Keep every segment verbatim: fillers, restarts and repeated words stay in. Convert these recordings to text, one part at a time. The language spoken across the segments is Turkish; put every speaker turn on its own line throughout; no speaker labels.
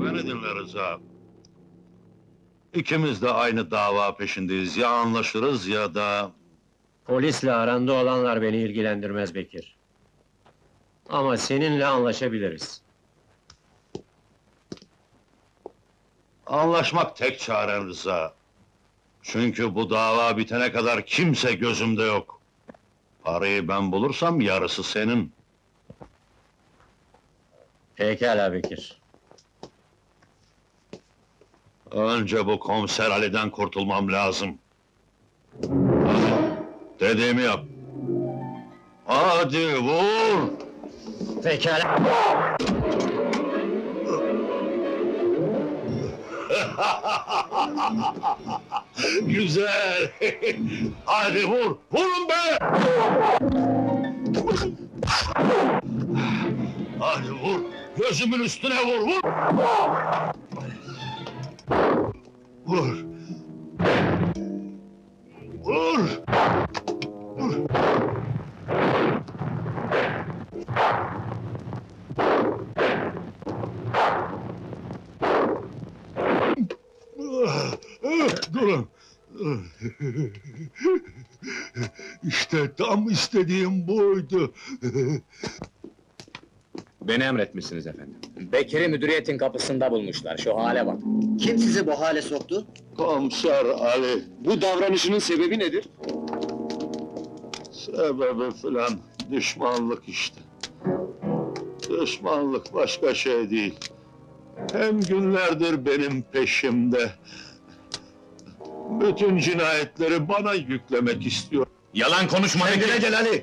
Beni dinle Rıza. İkimiz de aynı dava peşindeyiz. Ya anlaşırız ya da...
Polisle aranda olanlar beni ilgilendirmez Bekir. Ama seninle anlaşabiliriz.
Anlaşmak tek çaren Rıza. Çünkü bu dava bitene kadar kimse gözümde yok. Parayı ben bulursam yarısı senin.
Pekala Bekir.
Önce bu komiser Ali'den kurtulmam lazım. Hadi, dediğimi yap. Hadi vur!
Pekala.
Güzel! Hadi vur! Vurun be! Hadi vur! Gözümün üstüne vur! Vur! Vur! Vur! Vur! Durun! İşte tam istediğim buydu.
Beni emretmişsiniz efendim.
Bekir'i müdüriyetin kapısında bulmuşlar, şu hale bak!
Kim sizi bu hale soktu?
Komiser Ali,
Bu davranışının sebebi nedir?
sebebi filan düşmanlık işte. Düşmanlık başka şey değil. Hem günlerdir benim peşimde. Bütün cinayetleri bana yüklemek istiyor.
Yalan konuşma Bekir!
Gel Ali!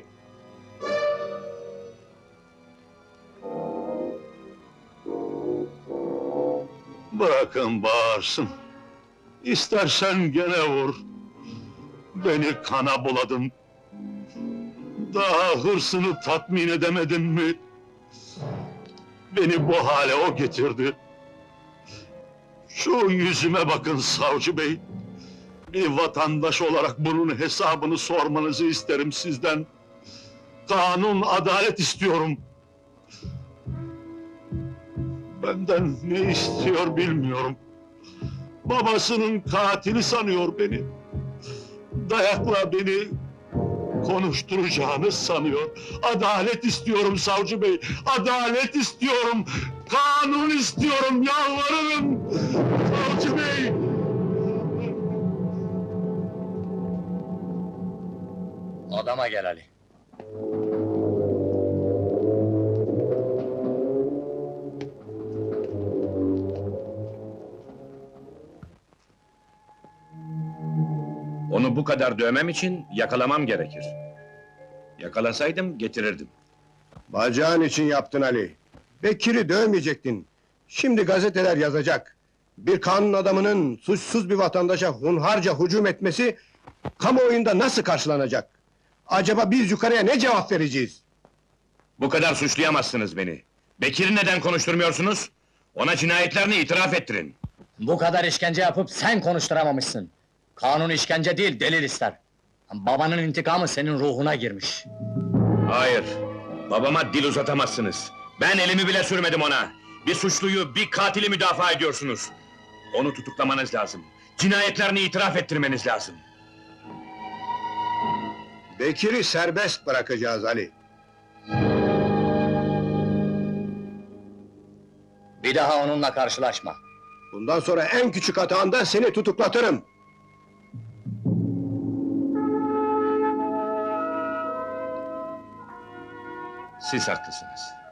Bırakın bağırsın. İstersen gene vur. Beni kana buladın. Daha hırsını tatmin edemedin mi? Beni bu hale o getirdi. Şu yüzüme bakın savcı bey. Bir vatandaş olarak bunun hesabını sormanızı isterim sizden. Kanun, adalet istiyorum. Benden ne istiyor bilmiyorum. Babasının katili sanıyor beni. Dayakla beni konuşturacağını sanıyor. Adalet istiyorum savcı bey, adalet istiyorum! Kanun istiyorum, yalvarırım! Savcı bey!
Adama gel Ali!
Onu bu kadar dövmem için yakalamam gerekir. Yakalasaydım getirirdim.
Bacağın için yaptın Ali. Bekir'i dövmeyecektin. Şimdi gazeteler yazacak. Bir kanun adamının suçsuz bir vatandaşa hunharca hücum etmesi kamuoyunda nasıl karşılanacak? Acaba biz yukarıya ne cevap vereceğiz?
Bu kadar suçlayamazsınız beni. Bekir'i neden konuşturmuyorsunuz? Ona cinayetlerini itiraf ettirin.
Bu kadar işkence yapıp sen konuşturamamışsın! Kanun işkence değil, delil ister! Babanın intikamı senin ruhuna girmiş!
Hayır, babama dil uzatamazsınız. Ben elimi bile sürmedim ona! Bir suçluyu, bir katili müdafaa ediyorsunuz! Onu tutuklamanız lazım. Cinayetlerini itiraf ettirmeniz lazım.
Bekir'i serbest bırakacağız Ali.
Bir daha onunla karşılaşma!
Bundan sonra en küçük hatanda seni tutuklatırım.
Siz haklısınız.